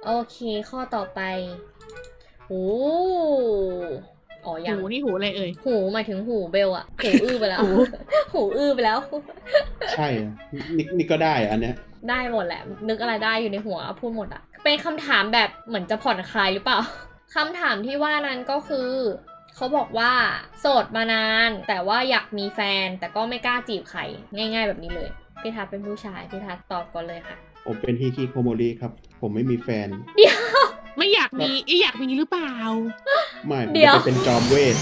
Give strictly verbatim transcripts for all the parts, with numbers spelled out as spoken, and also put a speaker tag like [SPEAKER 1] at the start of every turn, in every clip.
[SPEAKER 1] โอเคข้อต่อไปหูอ๋อยัง
[SPEAKER 2] หูนี่หูอะไรเอ่ย
[SPEAKER 1] หูหมายถึงหูเบลอะหูอื้อไปแล้ว
[SPEAKER 2] หู
[SPEAKER 1] หูอื้อไปแล้ว
[SPEAKER 3] ใช่อะนี่นี่ก็ได้อันเนี้ย
[SPEAKER 1] ได้หมดแหละ นึกอะไรได้อยู่ในหัวพูดหมดอะเป็นคำถามแบบเหมือนจะผ่อนคลายหรือเปล่า คำถามที่ว่านั้นก็คือเขาบอกว่าโสดมานาน แต่ว่าอยากมีแฟน แต่ก็ไม่กล้าจีบใครง่ายๆแบบนี้เลยพี่ทัศน์เป็นผู้ชายพี่ทัศน์ตอบก่อนเลยค่ะ
[SPEAKER 3] ผมเป็นฮิคิโคโมริครับ ผมไม่มีแฟน
[SPEAKER 1] เดี๋ยว
[SPEAKER 2] ไม่อยากมีไอยอยากมีหรือเปล่า
[SPEAKER 3] ไม่ผม
[SPEAKER 1] เดี๋ยว
[SPEAKER 3] จะเป็นจอมเวท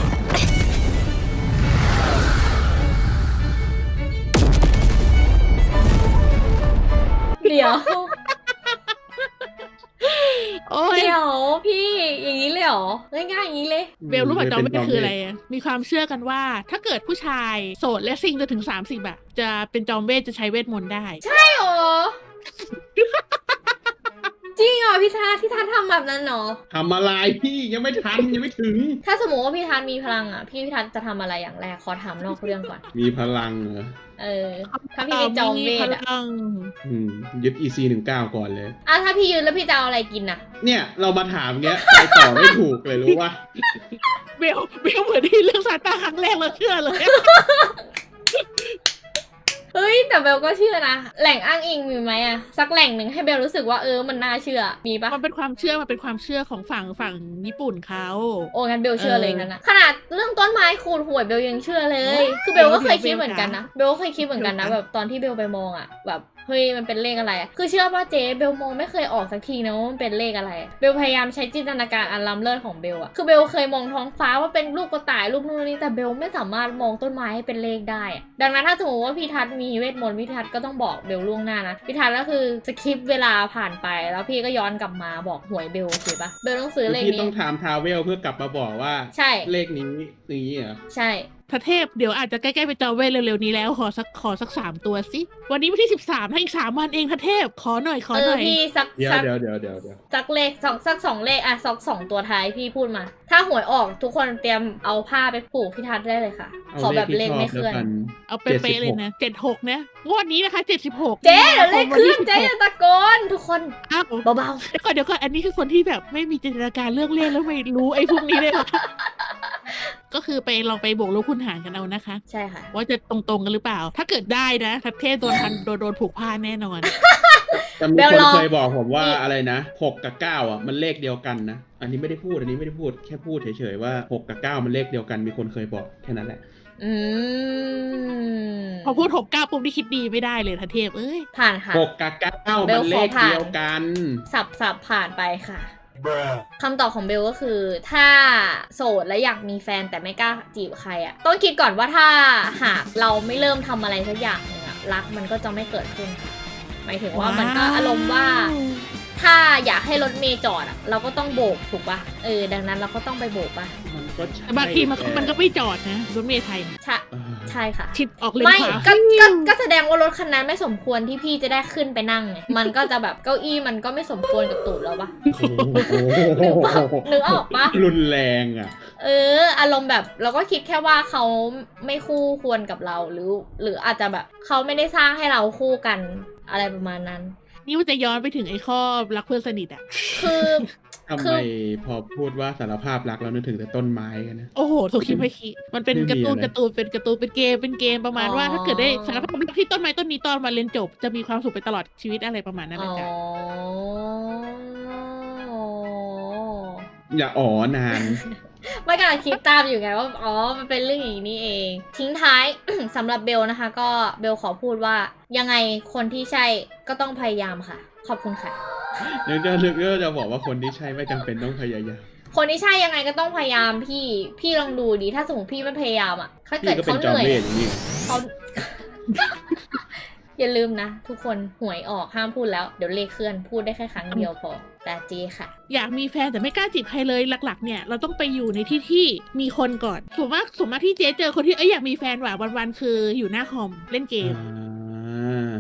[SPEAKER 1] เดี๋ยว
[SPEAKER 2] โอ้ย
[SPEAKER 1] เดี๋ยวพี่อย่างนี้เลยเหรอง่ายๆอย่างนี้เลย
[SPEAKER 2] เบลรู้ป่ะจอม
[SPEAKER 3] เป็
[SPEAKER 2] เวน ทคืออะไรอะมีความเชื่อกันว่า ถ้าเกิดผู้ชายโสดและซิงจะถึงสามสิบอะจะเป็นจอมเวทจะใช้เวทมนต์ได้
[SPEAKER 1] ใช่เหรอ จริงเหรอพี่ทัศน์พี่ทัศน์ทำแบบนั้นเหรอ
[SPEAKER 3] ทำอะไรพี่ยังไม่ทันยังไม่ถึง
[SPEAKER 1] ถ้าสมมติว่าพี่ทัศน์มีพลังอ่ะพี่พี่ทัศน์จะทำอะไรอย่างแรกขอถามนอกเรื่องก่อน
[SPEAKER 3] มีพลังเหรอ
[SPEAKER 1] เออ ถ้าพี่เป็นจอมเวท
[SPEAKER 2] พ
[SPEAKER 1] อ่ะ
[SPEAKER 2] ลัง
[SPEAKER 3] อืมยึด อี ซี หนึ่งเก้าก่อนเลย
[SPEAKER 1] อ่ะถ้าพี่ยืนแล้วพี่จะเอาอะไรกินอ่ะ
[SPEAKER 3] เนี่ยเรามาถามเงี้ยไปต่อไม่ถูกเลยรู้ว่า
[SPEAKER 2] เบลเบลเหมือนที่เรื่องซานต้าครั้งแรกเราเชื่อเลย
[SPEAKER 1] เฮ้ยแต่เบลก็เชื่อนะ แหล่งอ้างอิงมีไหมอ่ะสักแหล่งหนึ่งให้เบลรู้สึกว่าเออมันน่าเชื่อมีปะ
[SPEAKER 2] มันเป็นความเชื่อมันเป็นความเชื่อของฝั่งฝั่งญี่ปุ่นเขา
[SPEAKER 1] โอ้งั้นเบลเชื่อเลย
[SPEAKER 2] เออ
[SPEAKER 1] นั่นนะขนาดเรื่องต้นไม้ขูดหวยเบลยังเชื่อเลย คือเบลก็เคยคิดเหมือนกันนะเบลก็เคยคิดเหมือนกันนะแบบตอนที่เบลไปมองอ่ะแบบเฮ้ยมันเป็นเลขอะไรอะคือเชื่อป่ะเจ๊เบลมองไม่เคยออกสักทีนะว่ามันเป็นเลขอะไรอะเบลพยายามใช้จินตนาการอันล้ำเลิศของเบลอะคือเบลเคยมองท้องฟ้าว่าเป็นรูปกระต่ายรูปนู่นนี่แต่เบลไม่สามารถมองต้นไม้ให้เป็นเลขได้อะดังนั้นถ้าสมมติว่าพี่ทัศน์มีเวทมนต์พี่ทัศน์ก็ต้องบอกเบลล่วงหน้านะพี่ทัศน์ก็คือสคิปเวลาผ่านไปแล้วพี่ก็ย้อนกลับมาบอกหวยเบลโอเคปะเบลต้องซื้อเลข
[SPEAKER 3] พี่
[SPEAKER 1] นี้
[SPEAKER 3] ต้องถามทราเวลเพื่อกลับมาบอกว่า
[SPEAKER 1] ใช่
[SPEAKER 3] เลขนี้นี้เหรอ
[SPEAKER 1] ใช่
[SPEAKER 2] พระเทพเดี๋ยวอาจจะใกล้ๆไปจอมเวทเร็วๆนี้แล้วขอสักขอสักสามตัวสิวันนี้วันที่สิบสามให้อีกสามวันเองพระเทพขอหน่อยขอ
[SPEAKER 1] เอ
[SPEAKER 2] ห
[SPEAKER 1] อ
[SPEAKER 2] น่อย
[SPEAKER 1] พี่สัก
[SPEAKER 3] เดี๋ยว
[SPEAKER 1] สัก
[SPEAKER 3] เดี๋ยวเดี๋ยวเดี๋ยวเดี๋ยว
[SPEAKER 1] สักเลขสองสักสองเลขอะสักสองตัวท้ายพี่พูดมา ถ้าหวยออกทุกคนเตรียมเอาผ้าไปผูกพี่ทัศน์ได้เลยค่ะ ขอแบบเลขไม่เคลื่อน
[SPEAKER 2] เอาเป๊ะๆเลยนะเจ็ดหกนะงวดนี้นะคะเจ็ดสิบหก
[SPEAKER 1] เจ๊เดี๋ยวเลขเคลื่อนเจ๊อย่าตะโกนทุกคน
[SPEAKER 2] อ้าว
[SPEAKER 1] เบา
[SPEAKER 2] เดี๋ยวก่อนเดี๋ยวก่อนอันนี้คือคนที่แบบไม่มีจินตนาการเรื่องเลขแล้วไม่รู้ไอ้พวกนี้เลยเหรอ ก็คือไปลองไปบวกลบคูณหารกันเอานะคะ
[SPEAKER 1] ๆใช่ค่ะ
[SPEAKER 2] ว่าจะตรงๆกันหรือเปล่า ถ้าเกิดได้นะทัพเทพโดนพันโดนโดนผูกผ้าแน่นอน
[SPEAKER 3] แต่มี
[SPEAKER 1] เบล
[SPEAKER 3] คน
[SPEAKER 1] ลอง
[SPEAKER 3] เคยบอกผมว่า
[SPEAKER 1] นี่
[SPEAKER 3] อะไรนะหกกับเก้าอ่ะมันเลขเดียวกันนะอันนี้ไม่ได้พูดอันนี้ไม่ได้พูดแค่พูดเฉยๆว่าหกกับเก้ามันเลขเดียวกันมีคนเคยบอกแค่นั้นแหละ
[SPEAKER 1] อืม
[SPEAKER 2] พอพูดหกเก้าปุ๊บที่คิดดีไม่ได้เลยทัพเทพเอ้ย
[SPEAKER 1] ผ่านค่ะ
[SPEAKER 3] หกกับเก้า
[SPEAKER 1] เบ
[SPEAKER 3] มั
[SPEAKER 1] ล
[SPEAKER 3] น
[SPEAKER 1] ข
[SPEAKER 3] เล
[SPEAKER 1] อ
[SPEAKER 3] ข
[SPEAKER 1] ผ่าน
[SPEAKER 3] เดียวกัน
[SPEAKER 1] สับสับผ่านไปค่ะคำตอบของเบลก็คือ ถ้าโสดและอยากมีแฟนแต่ไม่กล้าจีบใครอะต้องคิดก่อนว่าถ้าหากเราไม่เริ่มทำอะไรสักอย่างหนึงอะรักมันก็จะไม่เกิดขึ้นค่ะหมายถึงว่ามันก็อารมณ์ว่า ถ้าอยากให้รถเมย์จอดอะเราก็ต้องโบกถูกปะเออดังนั้นเราก็ต้องไปโบกปะ
[SPEAKER 3] มันก็ใช่
[SPEAKER 2] แต่บางทีมันก็มันก็ไม่จอดนะรถเมล์ไทยเนี่ย
[SPEAKER 1] ใช่
[SPEAKER 3] เออ
[SPEAKER 1] ใช่ค่ะ
[SPEAKER 2] ชิดออกเลน
[SPEAKER 1] ไม่
[SPEAKER 2] ขวา
[SPEAKER 1] ก็ก็ก็แสดงว่ารถคันนั้นไม่สมควรที่พี่จะได้ขึ้นไปนั่งไงมันก็จะแบบเก้าอี้มันก็ไม่สมควรกับตูดแล้วปะ นึกว่านึกออกปะ
[SPEAKER 3] รุนแรงอ่ะ
[SPEAKER 1] เอออารมณ์แบบเราก็คิดแค่ว่าเขาไม่คู่ควรกับเราหรือ หรืออาจจะแบบเขาไม่ได้สร้างให้เราคู่กันอะไรประมาณนั้น
[SPEAKER 2] นี่มันจะย้อนไปถึงไอ้ข้อรักเพื่อนสนิทอ่ะ
[SPEAKER 1] คือ
[SPEAKER 3] ทำ
[SPEAKER 1] คื
[SPEAKER 3] ไม
[SPEAKER 1] อ
[SPEAKER 3] พอพูดว่าสารภาพรักแล้วนึกถึงแต่ต้นไม้กันนะ
[SPEAKER 2] โอ้โหโทคิไม่คิมันเป็น
[SPEAKER 3] ไม่มี
[SPEAKER 2] การ์ตูน
[SPEAKER 3] อะไร
[SPEAKER 2] การ์ตูนเป็นการ์ตูนเป็นเกมเป็นเกมประมาณว่าถ้าเกิดได้สารภาพรักที่ต้นไม้ต้นนี้ตอนมาเรียนจบจะมีความสุขไปตลอดชีวิตอะไรประมาณนั้น
[SPEAKER 1] อ๋
[SPEAKER 2] นะ
[SPEAKER 1] อ
[SPEAKER 2] จ๊ะ
[SPEAKER 3] อย่าอ๋อนาน
[SPEAKER 1] ไม่กำลังคิดตามอยู่ไงว่าอ๋อมันเป็นเรื่องอย่างนี้เอง ทิ้งท้าย สำหรับเบลนะคะ ก็เบลขอพูดว่ายังไงคนที่ใช่ก็ต้องพยายามค่ะ ขอบคุณค่ะ
[SPEAKER 3] นึกจะนึกก็จะบอกว่าคนที่ใช่ไม่จำเป็นต้องพยายาม
[SPEAKER 1] คนที่ใช่ยังไงก็ต้องพยายามพี่พี่ลองดูดีถ้าสมมติพี่ไม่พยายามอ่ะถ้าเกิ
[SPEAKER 3] พี่
[SPEAKER 1] ด
[SPEAKER 3] ก็เป็
[SPEAKER 1] เขา
[SPEAKER 3] น
[SPEAKER 1] เห
[SPEAKER 3] จอม
[SPEAKER 1] นื่อย
[SPEAKER 3] เวทอย่างนี้
[SPEAKER 1] เขา อย่าลืมนะ ทุกคนหวยออกห้ามพูดแล้วเดี๋ยวเลขเคลื่อนพูดได้แค่ครั้งเดียวพอแต่เจค่ะ
[SPEAKER 2] อยากมีแฟนแต่ไม่กล้าจีบใครเลยหลักๆเนี่ยเราต้องไปอยู่ในที่ที่มีคนก่อนส่วนมากส่วนมากที่เจ๊เจอคนที่เอ้ยอยากมีแฟนว่ะวันๆคืออยู่หน้าคอมเล่นเกม
[SPEAKER 3] อ่า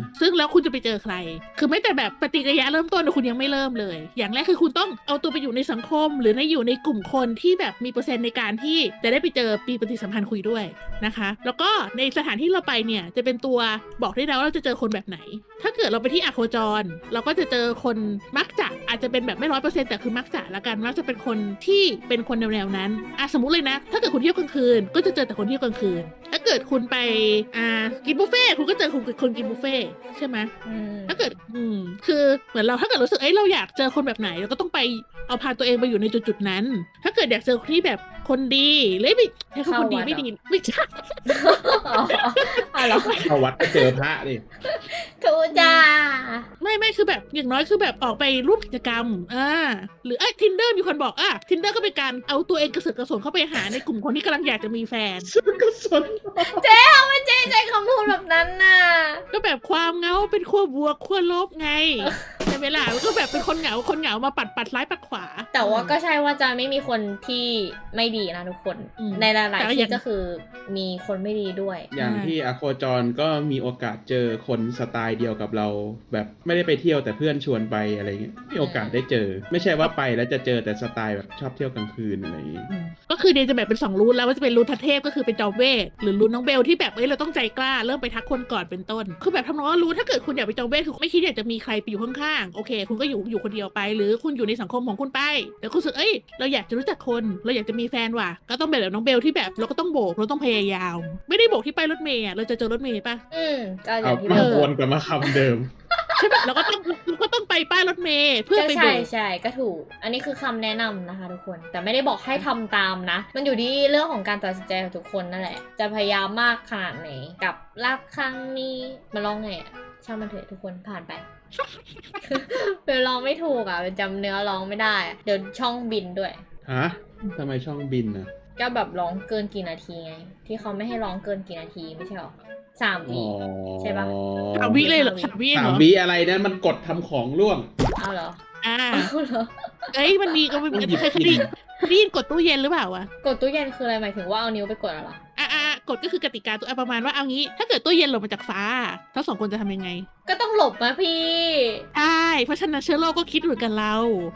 [SPEAKER 2] ซึ่งแล้วคุณจะไปเจอใคร คือไม่แต่แบบปฏิกิริยาเริ่มต้นคุณยังไม่เริ่มเลย อย่างแรกคือคุณต้องเอาตัวไปอยู่ในสังคม หรือในอยู่ในกลุ่มคนที่แบบมีเปอร์เซ็นต์ในการที่จะได้ไปเจอปีปฏิสัมพันธ์คุยด้วยนะคะ แล้วก็ในสถานที่เราไปเนี่ยจะเป็นตัวบอกได้แล้วว่าเราจะเจอคนแบบไหน ถ้าเกิดเราไปที่อะโคจรเราก็จะเจอคนมักจะอาจจะเป็นแบบไม่ร้อยเปอร์เซ็นต์แต่คือมักจะละกันมักจะเป็นคนที่เป็นคนแนวๆนั้นอ่ะสมมุติเลยนะถ้าเกิดคุณเที่ยวกลางคืนก็จะเจอแต่คนเที่ยวกลางคืนถ้าเกิดคุณไปอ่ากินบุฟเฟ่ต์คุณก็เจอคนคนกินบุฟเฟ่ต์ใช่ไหม
[SPEAKER 1] อืม
[SPEAKER 2] ถ้าเกิดอืมคือเหมือนเราถ้าเกิดรู้สึกเอ้ยเราอยากเจอคนแบบไหนเราก็ต้องไปเอาพาตัวเองไปอยู่ในจุดๆนั้น ถ้าเกิดอยากเจอคนที่แบบคนดีเลยไม่ให้เขาคนดีไม่ดีไม่ใช่
[SPEAKER 1] อ๋ออ๋อเหรอ
[SPEAKER 3] เข้าวัดก็เจอพระดิ
[SPEAKER 1] ทูจ้า
[SPEAKER 2] ไม่ไม่คือแบบอย่างน้อยคือแบบออกไปร่วมกิจกรรมอ่าหรือไอ้ทินเดอร์มีคนบอกอ่ะทินเดอร์ก็เป็นการเอาตัวเองกระเสือกกระสนเข้าไปหาในกลุ่มคนที่กำลังอยากจะมีแฟน
[SPEAKER 3] ซึ่งก็สน
[SPEAKER 1] เจ๊เอาไม่เจ๊ใช้คำพูดแบบนั้นน่ะ
[SPEAKER 2] ก็แบบความเหงาเป็นขั้วบวกขั้วลบไงในเวลาก็แบบเป็นคนเหงาคนเหงามาปัดปัดซ้ายปัดขวา
[SPEAKER 1] แต่ว่าก็ใช่ว่าจะไม่มีคนที่ไม่ดีนะทุกคน
[SPEAKER 2] อืม
[SPEAKER 1] ในหลาย
[SPEAKER 2] แต่
[SPEAKER 1] ๆ
[SPEAKER 2] ก็ยั
[SPEAKER 1] ที่
[SPEAKER 2] ง
[SPEAKER 1] ก็คือมีคนไม่ดีด้วย
[SPEAKER 3] อย่างที่อโคจรก็มีโอกาสเจอคนสไตล์เดียวกับเรา แบบไม่ได้ไปเที่ยวแต่เพื่อนชวนไปอะไรเงี้ยมีโอกาสได้เจอ ไม่ใช่ว่าไปแล้วจะเจอแต่สไตล์แบบชอบเที่ยวกลางคืนอะไรอย่างงี้
[SPEAKER 2] อืมก็คือเดย์จะแบบเป็นสองรูทแล้วว่าจะเป็นรูททัศเทพก็คือเป็นจอมเวทหรือรูทน้องเบลที่แบบเอ้ยเราต้องใจกล้าเริ่มไปทักคนก่อนเป็นต้น คือแบบทำนองว่ารู้ถ้าเกิดคุณอยากไปจอมเวทคือไม่คิดอยากจะมีใครไปอยู่ข้างๆโอเค คุณก็อยู่อยู่คนเดียวไป หรือคุณอยู่ในสังคมของคุณไปแต่คุณรู้สึกเอ้ยเราอยากจะรู้จักคนเราอยากจะมีแฟนว่ะก็ต้องแบบน้องเบลที่แบบเราก็ต้องโบกเราต้องพยายาม ไม่ได้โบกที่ป้ายรถเมล์อะเราจะเจอรถเมล์ปะ
[SPEAKER 1] อืมก็อ
[SPEAKER 3] เอา
[SPEAKER 1] ย่างที่
[SPEAKER 3] มา
[SPEAKER 1] บอก
[SPEAKER 3] วนกลับมาคำเดิม
[SPEAKER 2] ใช่ปะเราก็ต้องเราก็ต้องไปป้ายรถเมล์เพื่อ
[SPEAKER 1] ก็
[SPEAKER 2] ไปโบ
[SPEAKER 1] ใช่
[SPEAKER 2] ก
[SPEAKER 1] ใช่ก็ถูก อันนี้คือคำแนะนำนะคะทุกคน แต่ไม่ได้บอกให้ทำตามนะ มันอยู่ที่เรื่องของการตัดสินใจของทุกคนนั่นแหละ จะพยายามมากขนาดไหนกับรักครั้งนี้มาลองไงอะช่างมันเถอะทุกคนผ่านไป เป็นร้องไม่ถูกอ่ะเป็นจำเนื้อร้องไม่ได้อะเดี๋ยวช่องบินด้วย
[SPEAKER 3] ฮะทำไมช่องบินนะ
[SPEAKER 1] ก็แบบร้องเกินกี่นาทีไง ที่เขาไม่ให้ร้องเกินกี่นาทีไม่ใช่หรอสาม
[SPEAKER 3] อ๋
[SPEAKER 1] วิ
[SPEAKER 3] อ
[SPEAKER 1] ใช่ปะ
[SPEAKER 2] สามวิเลยเหรอสามวิ
[SPEAKER 3] สา
[SPEAKER 2] เหร
[SPEAKER 3] ม
[SPEAKER 2] อ
[SPEAKER 3] วิอะไรนะมันกดทำของร่วง
[SPEAKER 1] เอาเหรอ
[SPEAKER 2] อ่า
[SPEAKER 1] เอาเหรอ
[SPEAKER 2] เอ้ยมันมีก็มัน
[SPEAKER 3] ต้องหยิบ
[SPEAKER 2] เคยเคยได้ยินเคยได้ยินกดตู้เย็นหรือเปล่าวะ
[SPEAKER 1] กดตู้เย็นคืออะไรหมายถึงว่าเอานิ้วไปกดอะไรอ
[SPEAKER 2] อ่ะอ่ะอ่ะกฎก็คือกติกาตัวอ่ะประมาณว่าเอางี้ ถ้าเกิดตู้เย็นหล่นมาจากฟ้าทั้งสองคนจะทำยังไง
[SPEAKER 1] ก็ต้องหลบนะพี่
[SPEAKER 2] ใช่เพราะฉะนั้นเชื้อโรคก็คิดเหมือนกันเรา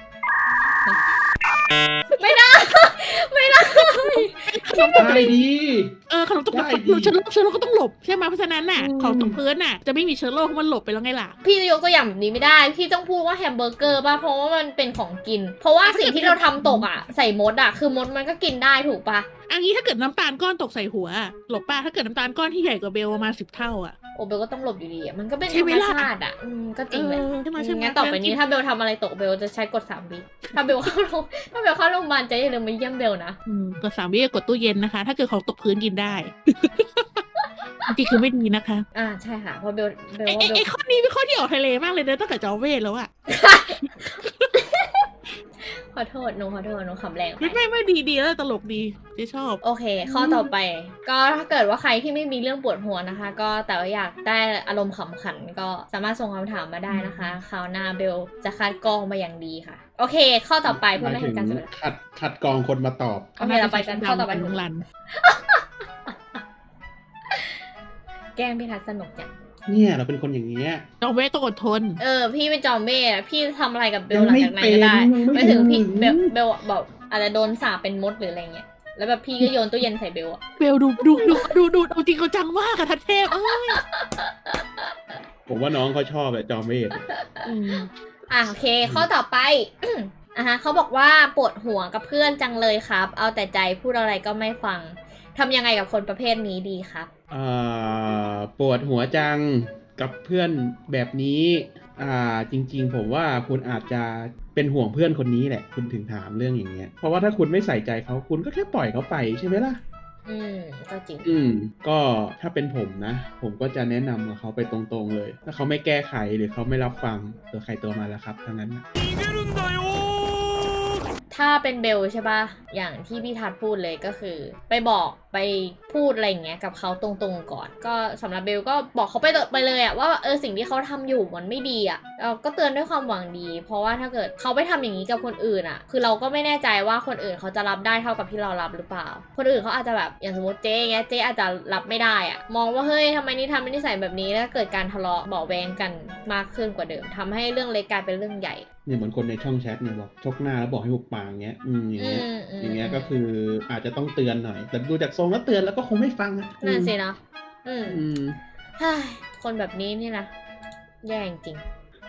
[SPEAKER 1] ไม่ได้ ไม่ได้
[SPEAKER 3] ได้ดี
[SPEAKER 2] เออขนมตก
[SPEAKER 3] ได้ดิ
[SPEAKER 2] เชื้อโรคเชื้อโรคก็ต้องหลบใช่ไหมเพราะฉะนั้นน่ะ
[SPEAKER 1] อืม
[SPEAKER 2] ของตกพื้นน่ะจะไม่มีเชื้อโรคเพราะมันหลบไปแล้วไงล่ะ
[SPEAKER 1] พี่จะยกตัวอย่างแบบนี้ไม่ได้ พี่ต้องพูดว่าแฮมเบอร์เกอร์ป่ะ เพราะว่ามันเป็นของกิน เพราะว่าสิ่งที่เราทำตกอ่ะ ใส่มดอ่ะ คือมดมันก็กินได้ถูกป่ะ
[SPEAKER 2] อันนี้ถ้าเกิดน้ำตาลก้อนตกใส่หัวหลบป้าถ้าเกิดน้ำตาลก้อนที่ใหญ่กว่าเบลประมาณสิบเท่าอ่ะ
[SPEAKER 1] โอเบลก็ต้องหลบอยู่ดีอ่ะ มันก็เป็นธ
[SPEAKER 2] ใช่
[SPEAKER 1] ร
[SPEAKER 2] ไหม
[SPEAKER 1] รม
[SPEAKER 2] ล่ะ
[SPEAKER 1] ชาติอ่ะ อืม ก็จริงแหละ
[SPEAKER 2] เออใช่ไหมใช่ไหม
[SPEAKER 1] งั้นต่อไปนี้ถ้าเบลทำอะไรตกเบลจะใช้กดสามวิถ้าเบลเข้าโรงถ้าเบลเข้าโรงพยาบาลจะอย่าลืมมาเยี่ยมเบลนะ
[SPEAKER 2] อืมกดสามวิกดตู้เย็นนะคะ ถ้าเกิดของตกพื้นกินได้ จริงๆคือไม่ดีนะคะ
[SPEAKER 1] อ่าใช่ค่ะ เพราะเบลเบล
[SPEAKER 2] ไอ้
[SPEAKER 1] ว่า
[SPEAKER 2] ไอ้
[SPEAKER 1] เบล
[SPEAKER 2] ไอ้ข้อนี้เป็นข้อที่ออกทะเลมากเลยนะตั้งแต่จอเวทแล้วอะ
[SPEAKER 1] ขอโทษหนูขอโทษหนูขำแรงไป
[SPEAKER 2] ไม่ไม่ไม่ดีดีแล้วตลกดีเจ๊ชอบ
[SPEAKER 1] โอเค ข้อต่อไป ก็ถ้าเกิดว่าใครที่ไม่มีเรื่องปวดหัวนะคะ ก็แต่ว่าอยากได้อารมณ์ขำขันก็สามารถส่งคำถามมาได้นะคะคราวหน้าเบลจะคัดกรองมาอย่างดีค่ะ โอเค ข้อต่อไป
[SPEAKER 3] ห
[SPEAKER 1] เพื่อ
[SPEAKER 3] มาย
[SPEAKER 1] ไม่
[SPEAKER 3] ถึ
[SPEAKER 1] ให้
[SPEAKER 3] ง
[SPEAKER 1] การเสียเวลา
[SPEAKER 3] คัดคัดกรองคนมาตอบ
[SPEAKER 1] โอเคเราไปกันข้อต่อไป
[SPEAKER 2] ลุงรัน
[SPEAKER 1] แกล้งพี่ทัศน์สนุกจัง
[SPEAKER 3] เนี่ยเราเป็นคนอย่างเงี้ย
[SPEAKER 2] จอเวทต้องอดทน
[SPEAKER 1] เออ พี่เป็นจอมเบ้อะพี่ทำอะไรกับเบล
[SPEAKER 3] ยัง
[SPEAKER 1] หลัง
[SPEAKER 3] ไม่
[SPEAKER 1] จากนั้นก็ได้
[SPEAKER 3] เป็นยังไม่
[SPEAKER 1] ไม่ถึงพี่
[SPEAKER 3] ถึง
[SPEAKER 1] เบลเบลบอกอาจจะโดนสาปเป็นมดหรืออะไรเงี้ย แล้วแบบพี่ก็โยนตู้เย็นใส่เบลอะ
[SPEAKER 2] เบลดูดูดูดูดูเอาจริงเขาจังมากอะทัดเทพเอ้ย
[SPEAKER 3] ผมว่าน้องเขาชอบแบบจอมเวท
[SPEAKER 2] อืม
[SPEAKER 1] อ่ะโอเค ข้อต่อไป อ่ะฮะเขาบอกว่าปวดหัวกับเพื่อนจังเลยครับ เอาแต่ใจพูดอะไรก็ไม่ฟังทำยังไงกับคนประเภทนี้ดีครับ
[SPEAKER 3] อ่าปวดหัวจังกับเพื่อนแบบนี้อ่าจริงๆ ผมว่าคุณอาจจะเป็นห่วงเพื่อนคนนี้แหละ คุณถึงถามเรื่องอย่างเงี้ยเพราะว่าถ้าคุณไม่ใส่ใจเขาคุณก็แค่ปล่อยเขาไปใช่ไหมล่ะ
[SPEAKER 1] อืมก็จริง
[SPEAKER 3] อืมก็ถ้าเป็นผมนะ ผมก็จะแนะนำกับเขาไปตรงๆเลย ถ้าเขาไม่แก้ไขหรือเขาไม่รับฟังตัวใครตัวมาแล้วครับทั้งนั้นนะ
[SPEAKER 1] ถ้าเป็นเบลใช่ปะอย่างที่พี่ทัดพูดเลยก็คือ ไปบอกไปพูดอะไรอย่างเงี้ยกับเขาตรงๆก่อนก็สำหรับเบลก็บอกเขาไปไปเลยอะว่าเออสิ่งที่เขาทำอยู่มันไม่ดีอะเราก็เตือนด้วยความหวังดี เพราะว่าถ้าเกิดเขาไปทำอย่างนี้กับคนอื่นอะคือเราก็ไม่แน่ใจว่าคนอื่นเขาจะรับได้เท่ากับที่เรารับหรือเปล่าคนอื่นเขาอาจจะแบบอย่างสมมติเจ๊เงี้ยเจ๊อาจจะรับไม่ได้อะมองว่าเฮ้ยทำไมนี่ทำเป็นนิสัยแบบนี้แล้วเกิดการทะเลาะเบาะแวงกันมากขึ้นกว่าเดิมทำให้เรื่องเล็กกลายเป็นเรื่องใหญ่
[SPEAKER 3] เนี่ยเหมือนคนในช่องแชทเนี่ยบอกชกหน้าแล้วบอกให้หุบปากเงี้ยอืมอย่างเงี้ยอย่างเงี้ยก็คืออาจจะต้องเตือนหน่อยแต่ดูจากทรงแล้วเตือนแล้วก็คงไม่ฟังอ่ะ
[SPEAKER 1] นั่นสินะอืม
[SPEAKER 3] อืม
[SPEAKER 1] คนแบบนี้นี่นะแย่จริง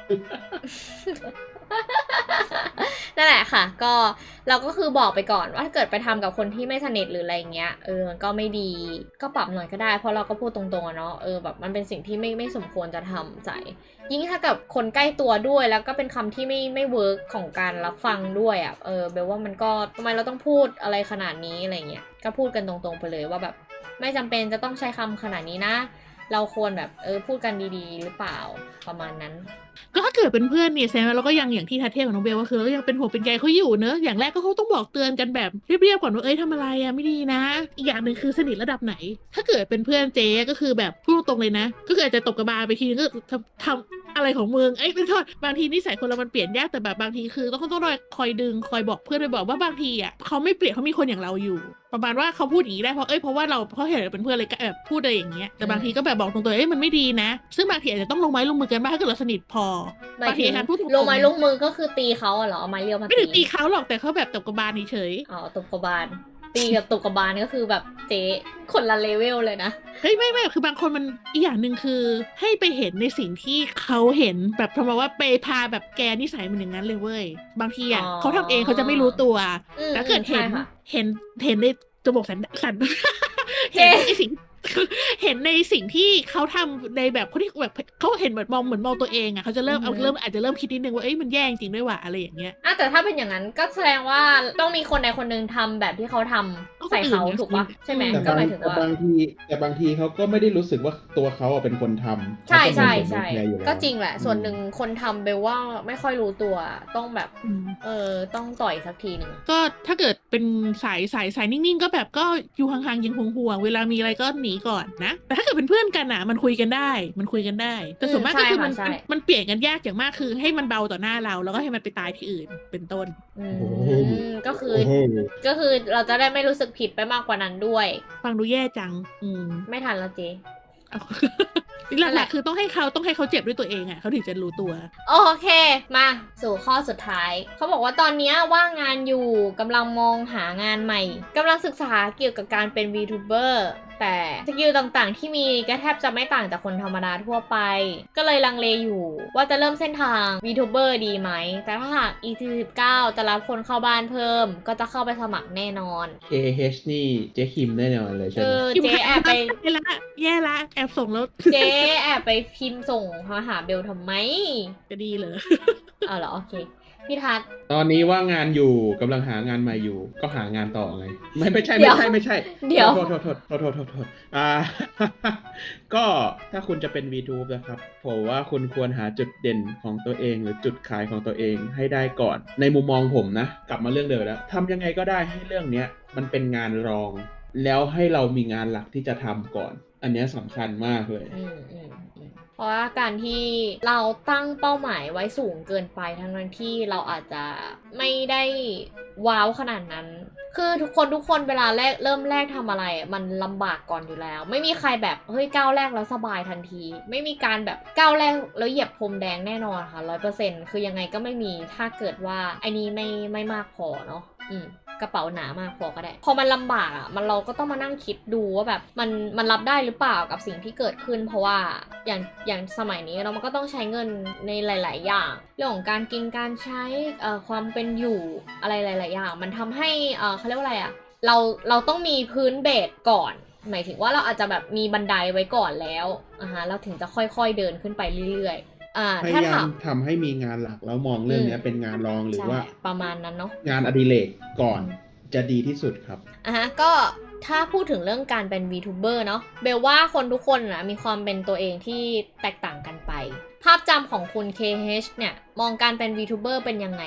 [SPEAKER 1] นั่นแหละค่ะก็เราก็คือบอกไปก่อนว่าถ้าเกิดไปทำกับคนที่ไม่สนิทหรืออะไรเงี้ยเออมันก็ไม่ดีก็ปรับหน่อยก็ได้เพราะเราก็พูดตรงๆอะเนาะเออแบบมันเป็นสิ่งที่ไม่ไม่สมควรจะทำใจยิ่งถ้ากับคนใกล้ตัวด้วยแล้วก็เป็นคำที่ไม่ไม่เวิร์กของการรับฟังด้วยอะเออเบลว่ามันก็ทำไมเราต้องพูดอะไรขนาดนี้อะไรเงี้ยก็พูดกันตรงๆไปเลยว่าแบบไม่จำเป็นจะต้องใช้คำขนาดนี้นะเราควรแบบเออพูดกันดีๆหรือเปล่าประมาณนั้น
[SPEAKER 2] ก็ถ้าเกิดเป็นเพื่อนเนี่ยแซมเราก็ยังอย่างที่ทัดเทพกับน้องเบลก็คือเราก็ยังเป็นห่วงเป็นใยเขาอยู่เนอะอย่างแรกก็เขาต้องบอกเตือนกันแบบเรียบๆก่อนว่าเอ้ยทำอะไรอะไม่ดีนะอีกอย่างหนึ่งคือสนิทระดับไหนถ้าเกิดเป็นเพื่อนเจ๊ก็คือแบบพูดตรงเลยนะก็คืออาจจะตบกระบาลไปทีนึงก็ทำทำอะไรของมึงเอ้ยไม่โทษบางทีนิสัยคนเรามันเปลี่ยนยากแต่แบบบางทีคือต้องต้องคอยดึงคอยบอกเพื่อนไปบอกว่าบางทีอ่ะเขาไม่เปลี่ยนเขามีคนอย่างเราอยู่ประมาณว่าเขาพูดอย่างนี้ได้เพราะเอ้ยเพราะว่าเราเพราะเห็นเราเป็นเพื่อนเลยก็แบบพูดอะไรอย่างเงี้ยแต่บางทีก็แบบบอกตรงๆเอ้ยมันไม่ดีนะซึ่งบางทีอาจจะต้องลงไม้ลงมือกันบ้างถ้าเกิดเราสนิทพอบางทีการพูดตรงๆ
[SPEAKER 1] ลงไม้ลงมือก็คือตีเขาเหรอเอาไม้เรียวมาตี
[SPEAKER 2] ไม่ถึงตีเขาหรอกแต่เขาแบบตบกระบาลเฉย
[SPEAKER 1] อ๋อตบกระบาลตีกับตบกระบาลก็คือแบบเจ๊คนละเลเวลเลยนะ
[SPEAKER 2] เฮ้ยไม่ไม่คือบางคนมันอีกอย่างหนึ่งคือให้ไปเห็นในสิ่งที่เขาเห็นแบบทำมาว่าไปพาแบบแกนิสัยมันอย่างนั้นเลยเว้ยบางทีอ่ะเขาทำเองเขาจะไม่รู้ตัวแต่เกิดเห็นเห็นเห็นในจมูกสันสันเห็นในสิ่งเห็นในสิ่งที่เขาทำในแบบคนที่แบบเขาเห็นเหมือนมองเหมือนมองตัวเองอ่ะเขาจะเริ่มเอาเริ่มอาจจะเริ่มคิดนิดนึงว่าเอ้ยมันแย่จริงด้วยว่ะอะไรอย่างเงี้ย
[SPEAKER 1] อ่ะแต่ถ้าเป็นอย่างนั้นก็แสดงว่าต้องมีคนใดคนหนึ่งทำแบบที่เขาทำใส่เขาถูกปะใช่ไหมก็หมายถึงว่า
[SPEAKER 3] แต่บางทีแต่บางทีเขาก็ไม่ได้รู้สึกว่าตัวเขาเป็นคนทำ
[SPEAKER 1] ใช่ใช่ใช่ก็จริงแหละส่วนหนึ่งคนทำเบลว่าไม่ค่อยรู้ตัวต้องแบบเออต้องต่อยสักทีหนึ่ง
[SPEAKER 2] ก็ถ้าเกิดเป็นสายสายสายนิ่งๆก็แบบก็อยู่ห่างๆยังห่วงๆเวลามีอะไรก็หนีก่อนนะแต่ถ้าเกิดเป็นเพื่อนกันอ่ะมันคุยกันได้มันคุยกันได้แต่ส่วนมากก็คือมันมันเปลี่ยนกันยากอย่างมากคือให้มันเบาต่อหน้าเราแล้วก็ให้มันไปตายที่อื่นเป็นต้น
[SPEAKER 1] อืมก็คือก็คือเราจะได้ไม่รู้สึกผิดไปมากกว่านั้นด้วย
[SPEAKER 2] ฟังดูแย่จังอืม
[SPEAKER 1] ไม่ทันแล้วเจ๊
[SPEAKER 2] หลักๆคือต้องให้เขาต้องให้เขาเจ็บด้วยตัวเองอ่ะเขาถึงจะรู้ตัว
[SPEAKER 1] โอเคมาสู่ข้อสุดท้ายเขาบอกว่าตอนนี้ว่างงานอยู่กำลังมองหางานใหม่กำลังศึกษาเกี่ยวกับการเป็น VTuber แต่สกิลต่างๆที่มีก็แทบจะไม่ต่างจากคนธรรมดาทั่วไปก็เลยลังเลอยู่ว่าจะเริ่มเส้นทาง VTuber ดีไหมแต่ถ้าหาก อี สี่สิบเก้า จะรับคนเข้าบ้านเพิ่มก็จะเข้าไปสมัครแน่นอน
[SPEAKER 3] เค เอช นี่เจ๊คิมแน่นอนเลยใช่ไหม
[SPEAKER 1] เออเจ๊แอบไป
[SPEAKER 2] แย่ละแย่ละแอบส่งแล้ว
[SPEAKER 1] เจ๊แอบไปพิมพ์ส่งมาหาเบลทำไม
[SPEAKER 2] จะดีเหรอ
[SPEAKER 1] เอาเหรอโอเคพี่ทัศน์
[SPEAKER 3] ตอนนี้ว่างงานอยู่กำลังหางานใหม่อยู่ก็หางานต่อไงไม่ไม่ใช่ไม่ใช่ไม่ใช่
[SPEAKER 1] เดี๋ยว
[SPEAKER 3] โทษโทษโทษโทษโทษโทษโทษอ่า ก็ถ้าคุณจะเป็น VTube นะครับผมว่าคุณควรหาจุดเด่นของตัวเองหรือจุดขายของตัวเองให้ได้ก่อนในมุมมองผมนะกลับมาเรื่องเดิมแล้วทำยังไงก็ได้ให้เรื่องเนี้ยมันเป็นงานรองแล้วให้เรามีงานหลักที่จะทำก่อนอันนี้สำคัญมากเลย
[SPEAKER 1] เพราะว่าการที่เราตั้งเป้าหมายไว้สูงเกินไปทั้งนั้นที่เราอาจจะไม่ได้ว้าวขนาดนั้นคือทุกคนทุกคนเวลาแรกเริ่มแรกทำอะไรมันลำบากก่อนอยู่แล้วไม่มีใครแบบเฮ้ยก้าวแรกแล้วสบายทันทีไม่มีการแบบก้าวแรกแล้วเหยียบพรมแดงแน่นอนค่ะ ร้อยเปอร์เซ็นต์ คือยังไงก็ไม่มีถ้าเกิดว่าไอ้นี้ไม่ไม่มากพอเนาะอืมกระเป๋าหนามากพอก็ได้พอมันลำบากอ่ะมันเราก็ต้องมานั่งคิดดูว่าแบบมันมันรับได้หรือเปล่ากับสิ่งที่เกิดขึ้นเพราะว่าอย่างอย่างสมัยนี้เรามันก็ต้องใช้เงินในหลายๆอย่างเรื่องของการกินการใช้เอ่อความเป็นอยู่อะไรหลายๆอย่างมันทำให้เอ่อเขาเรียกว่าอะไรอ่ะเราเราต้องมีพื้นเบสก่อนหมายถึงว่าเราอาจจะแบบมีบันไดไว้ก่อนแล้วอ่าฮะเราถึงจะค่อยๆเดินขึ้นไปเรื่อยๆ
[SPEAKER 3] พยายามทำให้มีงานหลักแล้วมองเรื่องนี้เป็นงานรองหรือว่า
[SPEAKER 1] ประมาณนั้นเนาะ
[SPEAKER 3] งานอดิเรกก่อนจะดีที่สุดครับ
[SPEAKER 1] อ่ะฮะก็ถ้าพูดถึงเรื่องการเป็น VTuber เนาะเบลว่าคนทุกคนนะมีความเป็นตัวเองที่แตกต่างกันไปภาพจำของคุณ เค เอช เนี่ยมองการเป็น VTuber เป็นยังไง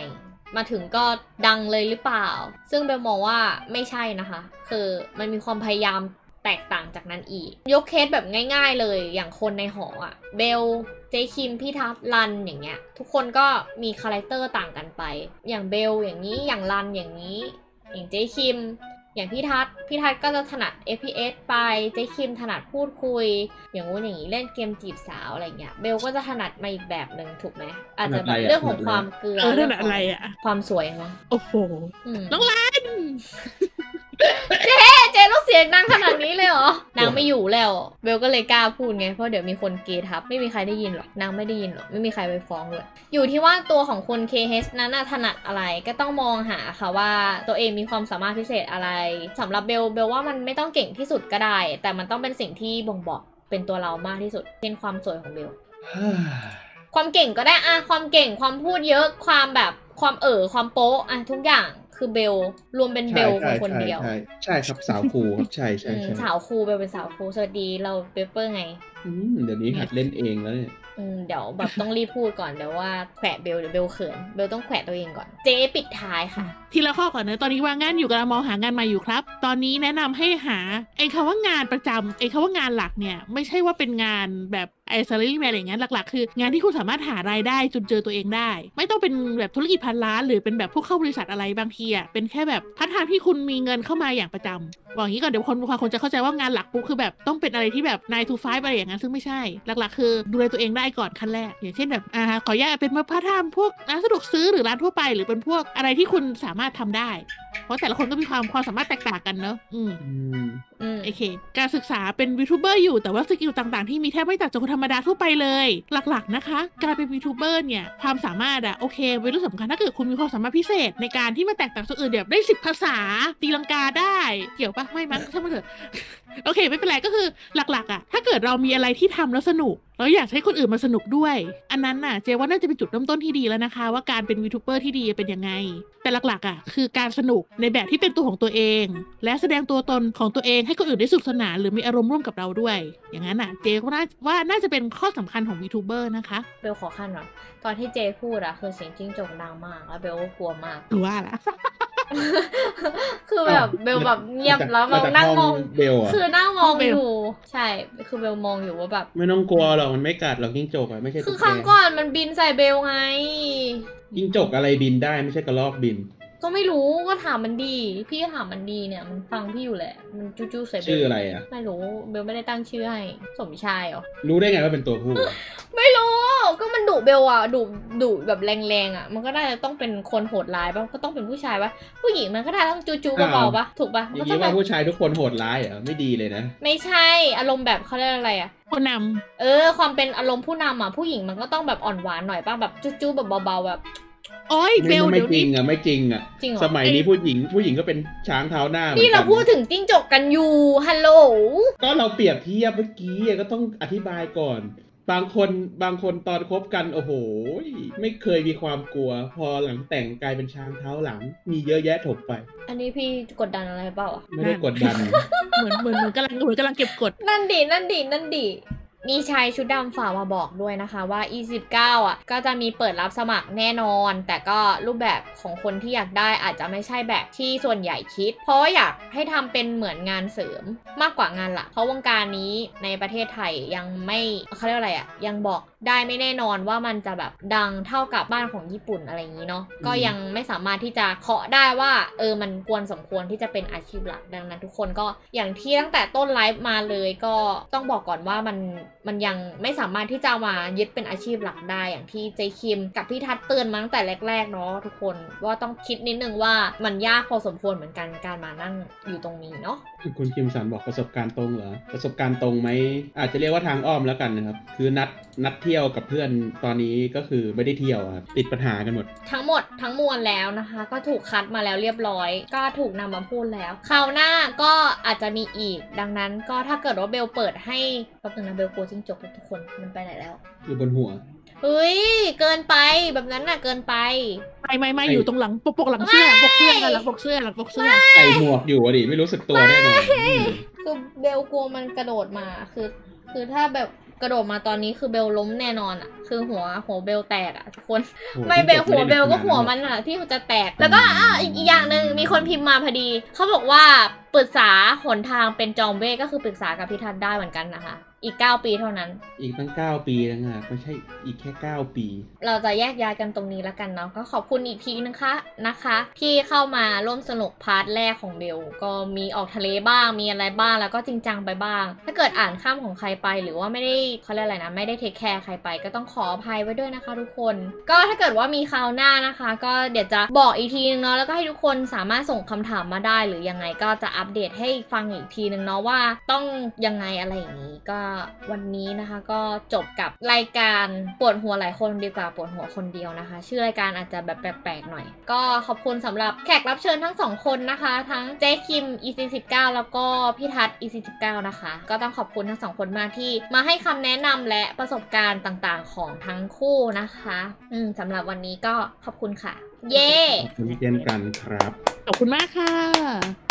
[SPEAKER 1] มาถึงก็ดังเลยหรือเปล่า ซึ่งเบลมองว่าไม่ใช่นะคะ คือมันมีความพยายามแตกต่างจากนั้นอีกยกเคสแบบง่ายๆเลยอย่างคนในหออะเบลเจคิมพี่ทัศน์รันอย่างเงี้ยทุกคนก็มีคาแรคเตอร์ต่างกันไปอย่างเบลอย่างนี้อย่างรันอย่างนี้อย่างเจคิมอย่างพี่ทัศน์พี่ทัศน์ก็จะถนัด เอฟ พี เอส ไปเจคิมถนัดพูดคุยอย่างงู้นอย่างนี้เล่นเกมจีบสาวอะไรเงี้ยเบลก็จะถนัดมาอีกแบบหนึ่งถูกไหมอาจจะแบบเรื่องของความเกลือ
[SPEAKER 2] เออ
[SPEAKER 1] เรื่
[SPEAKER 2] นั่น
[SPEAKER 1] ข
[SPEAKER 2] อะไร
[SPEAKER 1] อง
[SPEAKER 2] อ่ะ
[SPEAKER 1] ความสวยมั้ง
[SPEAKER 2] โอ้โห
[SPEAKER 1] อืม
[SPEAKER 2] น้องรัน
[SPEAKER 1] เจต้องเสียงดังขนาดนี้เลยเหรอ นางไม่อยู่แล้วเบลก็เลยกล้าพูดไงเพราะเดี๋ยวมีคนเกทับไม่มีใครได้ยินหรอกนางไม่ได้ยินหรอกไม่มีใครไปฟ้องเลยอยู่ที่ว่าตัวของคน เค เอช นั้นน่ะถนัดอะไรก็ต้องมองหาค่ะว่าตัวเองมีความสามารถพิเศษอะไรสำหรับเบลเบลว่ามันไม่ต้องเก่งที่สุดก็ได้ แต่มันต้องเป็นสิ่งที่บ่งบอกเป็นตัวเรามากที่สุดเช่นความสวยของเบล ความเก่งก็ได้อะความเก่งความพูดเยอะความแบบความเอ่อความโป๊ะอะทุกอย่างคือเบลรวมเป็นเบลคนคนเดียว
[SPEAKER 3] ใช่ใช่ครับสาวครูครับใช่ใช่
[SPEAKER 1] อืม
[SPEAKER 3] ใช่
[SPEAKER 1] สาวครูเบลเป็นสาวครูสวัสดีเราเปเปอร์ไง
[SPEAKER 3] อืมเดี๋ยวนี้หัดเล่นเองแล้วเนี่ย
[SPEAKER 1] อืมเดี๋ยวแบบต้องรีบพูดก่อนเดี๋ยวว่าแขวะเบลเดี๋ยวเบลเขินเบลต้องแขวะตัวเองก่อนเจ๊ปิดท้ายค่ะ
[SPEAKER 2] ทีละข้อก่อนนะตอนนี้ว่างงานอยู่กำลังมองหางานใหม่อยู่ครับ ตอนนี้แนะนำให้หาไอ้คำว่างานประจำไอ้คำว่างานหลักเนี่ยไม่ใช่ว่าเป็นงานแบบไอ้ salary man อะไรอย่างเงี้ยหลักๆคืองานที่คุณสามารถหารายได้จนเจอตัวเองได้ ไม่ต้องเป็นแบบธุรกิจพันล้านหรือเป็นแบบพวกเข้าบริษัทอะไรบางทีอ่ะเป็นแค่แบบพาร์ทไทม์ที่คุณมีเงินเข้ามาอย่างประจำบอกอย่างนี้ก่อนเดี๋ยวคนบางคนจะเข้าใจว่างานหลักปุ๊บคือแบบต้องเป็นอะไรที่แบบ nine to five อะไรอย่างนั้นซึ่งไม่ใช่หลักๆคือดูแลตัวเองได้ก่อนขั้นแรกอย่างเช่นแบบอ่าขออนุญาตเป็นพาร์ทไทม์พวกร้านสะดวกซื้อหรือร้านทั่วไปหรือเป็นพวกอะไรที่คุณสามารถทำได้ เพราะแต่ละคนก็มีความความสามารถแตกต่างกันเนอะอืม
[SPEAKER 3] อืม
[SPEAKER 1] อืม
[SPEAKER 2] โอเค การศึกษาเป็นวีทูเบอร์อยู่แต่ว่าสกิลต่างๆที่มีแทบไม่ต่างจากคนธรรมดาทั่วไปเลย หลักๆนะคะ การเป็นวีทูเบอร์เนี่ยความสามารถอะโอเคเป็นเรื่องสำคัญถ้าเกิดคุณมีความสามารถพิเศษในการที่มาแตกต่างจากคนอื่นแบบได้สิบภาษาตีลังกาได้เกี่ยวปะไม่มั้งช่างมันเถอะ โอเคไม่เป็นไรก็คือหลักๆอะถ้าเกิดเรามีอะไรที่ทำแล้วสนุกแล้วอยากให้คนอื่นมาสนุกด้วย อันนั้นน่ะเจว่าน่าจะเป็นจุดเริ่มต้นที่ดีแล้วนะคะ ว่าการเป็นวีทูเบอร์ที่ดีเป็นยังไง แต่หลักๆอะคือการสนุกในแบบที่เป็นตัวของตัวเอง และแสดงตัวตนของตัวเองให้คนอื่นได้สนุกสนานหรือมีอารมณ์ร่วมกับเราด้วย อย่างนั้นน่ะเจก็น่าว่าน่าจะเป็นข้อสำคัญของวีทูเบอร์นะคะ
[SPEAKER 1] เบลขอขั้นหน่อยตอนที่เจพูดอะคือเสียงจิ้งจกดังมากแล้วเบลก็กลัวมาก
[SPEAKER 2] หรือว่าล่ะ
[SPEAKER 1] คือแบบเบลแบบเงียบแล้วแบบนั่งมอง
[SPEAKER 3] เบลอ่ะ
[SPEAKER 1] คือนั่งมอง
[SPEAKER 2] เบล
[SPEAKER 1] อยู่ใช่คือเบลมองอยู่ว่าแบบ
[SPEAKER 3] ไม่ต้องกลัวหรอกมันไม่กัดหรอกจิ้งจกอ่ะไม่ใช่
[SPEAKER 1] คือ
[SPEAKER 3] ตุ๊ก
[SPEAKER 1] ครั้ง
[SPEAKER 3] แก
[SPEAKER 1] ก่อนมันบินใส่เบลไง
[SPEAKER 3] จิ้งจกอะไรบินได้ไม่ใช่กระรอกบิน
[SPEAKER 1] ก็ไม่รู้ก็ถามมันดี พี่ก็ถามมันดีเนี่ยมันฟังพี่อยู่แหละ มันจู้จู้ใส่เบล
[SPEAKER 3] ชื่ออะไรอ่ะ
[SPEAKER 1] ไม่รู้เบลไม่ได้ตั้งชื่อให้สมชายเหรอ
[SPEAKER 3] รู้ได้ไงว่าเป็นตัวผู้
[SPEAKER 1] ไม่รู้ก็มันดุเบลอ่ะดุดุแบบแรงๆอ่ะมันก็น่าจะต้องเป็นคนโหดร้ายป่ะก็ต้องเป็นผู้ชายป่ะผู้หญิงมันก็ได้ต้องจู้จู้เบาๆป่ะถูกป่ะ
[SPEAKER 3] อ
[SPEAKER 1] มัน
[SPEAKER 3] ย่า
[SPEAKER 1] ก็
[SPEAKER 3] ง
[SPEAKER 1] ต้อ
[SPEAKER 3] นี้
[SPEAKER 1] งแบ
[SPEAKER 3] ว่า
[SPEAKER 1] บ
[SPEAKER 3] ผู้ชายทุกคนโหดร้ายเหรอไม่ดีเลยนะ
[SPEAKER 1] ไม่ใช่อารมณ์แบบเขาเรียกอะไรอ่ะ
[SPEAKER 2] คนน
[SPEAKER 1] เออความเป็นอารมณ์ผู้นำอ่ะผู้หญิงมันก็ต้องแบบอ่อนหวานหน่อยป่ะแบบจู้จู้แบบเบาๆแบบ
[SPEAKER 2] ำโอ้ยเบ
[SPEAKER 3] ไม่
[SPEAKER 2] ล
[SPEAKER 3] ไม่
[SPEAKER 2] เดี๋ยว
[SPEAKER 3] จริ
[SPEAKER 2] นี้
[SPEAKER 3] งอ่ะไม่จริงอ่ะ
[SPEAKER 1] จริงเหรอ
[SPEAKER 3] สมัยนี้ผู้หญิงผู้หญิงก็เป็นช้างเท้าหน้าหมือ
[SPEAKER 1] นี่เรา
[SPEAKER 3] กั
[SPEAKER 1] พูดถึงจิ้งจกกันอยู่ฮัลโหล
[SPEAKER 3] ก็เราเปรียบเทียบเมื่อกี้ก็ต้องอธิบายก่อน บางคนบางคนตอนคบกันโอ้โหไม่เคยมีความกลัว พอหลังแต่งกลายเป็นช้างเท้าหลัง มีเยอะแยะถกไป
[SPEAKER 1] อันนี้พี่กดดันอะไรเปล่าอ่ะ
[SPEAKER 3] ไม่ได้กดดัน
[SPEAKER 2] เหมือนเหมือนเหมือนกำลังเหมือนกำลังเก็บกด
[SPEAKER 1] นั่นดินั่นดินั่นดิมีชายชุดดำฝากมาบอกด้วยนะคะว่า อี สิบเก้า อ่ะก็จะมีเปิดรับสมัครแน่นอน แต่ก็รูปแบบของคนที่อยากได้อาจจะไม่ใช่แบบที่ส่วนใหญ่คิด เพราะว่าอยากให้ทำเป็นเหมือนงานเสริมมากกว่างานหลักเพราะวงการนี้ในประเทศไทยยังไม่เขาเรียกอะไรอ่ะยังบอกได้ไม่แน่นอนว่ามันจะแบบดังเท่ากับบ้านของญี่ปุ่นอะไรอย่างนี้เนาะก็ยังไม่สามารถที่จะเคาะได้ว่าเออมันควรสมควรที่จะเป็นอาชีพหลักดังนั้นทุกคนก็อย่างที่ตั้งแต่ต้นไลฟ์มาเลยก็ต้องบอกก่อนว่ามันมันยังไม่สามารถที่จะมายึดเป็นอาชีพหลักได้อย่างที่เจคิมกับพี่ทัศน์เตือนมาตั้งแต่แรกๆเนาะทุกคนว่าต้องคิดนิดนึงว่ามันยากพอสมควรเหมือนกันการมานั่งอยู่ตรงนี้เนาะ
[SPEAKER 3] คุณคิมสันบอกประสบการณ์ตรงเหรอประสบการณ์ตรงไหมอาจจะเรียกว่าทางอ้อมแล้วกันนะครับคือนัดนัดเที่ยวกับเพื่อนตอนนี้ก็คือไม่ได้เที่ยวครับติดปัญหากันหมด
[SPEAKER 1] ทั้งหมดทั้งมวลแล้วนะคะ ก็ถูกคัดมาแล้วเรียบร้อย ก็ถูกนำมาพูดแล้วคราวหน้าก็อาจจะมีอีกดังนั้นก็ถ้าเกิดว่าเบลเปิดให้แป๊บนึงนะเบลกลัวจิ้งจกทุกคนมันไปไหนแล้ว
[SPEAKER 3] อยู่บนหัว
[SPEAKER 1] เฮ้ยเกินไปแบบนั้นน่ะเกินไป
[SPEAKER 2] ไม่ไม่ไม่
[SPEAKER 3] ไอ้
[SPEAKER 2] อยู่ตรงหลังปกปกหลังเสื้อปกเสื้อหลังปกเสื้อหลังปกเสื้อ
[SPEAKER 3] ใส่หมวกอยู่อะดิไม่รู้สึกตัวแน่นอนอืม
[SPEAKER 1] คือเบลกลัวมันกระโดดมาคือ คือถ้าแบบกระโดดมาตอนนี้คือเบลล้มแน่นอนอะคือหัวหัวเบลแตกอะทุกคน
[SPEAKER 3] โอ้โ
[SPEAKER 1] ไม่เบล
[SPEAKER 3] พี่จ
[SPEAKER 1] หัวเบลก็
[SPEAKER 3] ไม่ได้
[SPEAKER 1] หัวมันอะที่จะแตก แล้วก็อ่ะอีกอีกอย่างหนึ่งมีคนพิมพ์มาพอดี เขาบอกว่าปรึกษาหนทางเป็นจอมเวทก็คือปรึกษากับพี่ทัศน์ได้เหมือนกันนะคะ อีกเก้าปีเท่านั้น
[SPEAKER 3] อีกตั้งเก้าปีนะฮะไม่ใช่อีกแค่เก้าปี
[SPEAKER 1] เราจะแยกย้ายกันตรงนี้แล้วกันเนาะก็ขอบคุณอีกทีนะคะนะคะ ที่เข้ามาร่วมสนุกพาร์ทแรกของเบลก็มีออกทะเลบ้างมีอะไรบ้างแล้วก็จริงจังไปบ้าง ถ้าเกิดอ่านข้ามของใครไปหรือว่าไม่ได้เขาเรียกอะไรนะไม่ได้เทคแคร์ใครไปก็ต้องขออภัยไว้ด้วยนะคะทุกคน ก็ถ้าเกิดว่ามีคราวหน้านะคะ ก็เดี๋ยวจะบอกอีกทีนึงเนาะแล้วก็ให้ทุกคนสามารถส่งคำถามมาได้หรือยังไงก็จะอัปเดตให้ฟังอีกทีนึงเนาะว่าต้องยังไงอะไรอย่างนี้ก็วันนี้นะคะก็จบกับรายการปวดหัวหลายคนดีกว่าปวดหัวคนเดียวนะคะ ชื่อรายการอาจจะแบบแปลกๆหน่อย ก็ขอบคุณสำหรับแขกรับเชิญทั้งสองคนนะคะ ทั้งเจ๊คิม อี ซี สิบเก้า แล้วก็พี่ทัศน์ อี ซี สิบเก้า นะคะ ก็ต้องขอบคุณทั้งสองคนมากที่มาให้คำแนะนำและประสบการณ์ต่างๆของทั้งคู่นะคะอืมสำหรับวันนี้ก็ขอบคุณค่ะ เย้
[SPEAKER 3] ขอบคุณเช่นกันครับ
[SPEAKER 2] ขอบคุณมากค่ะ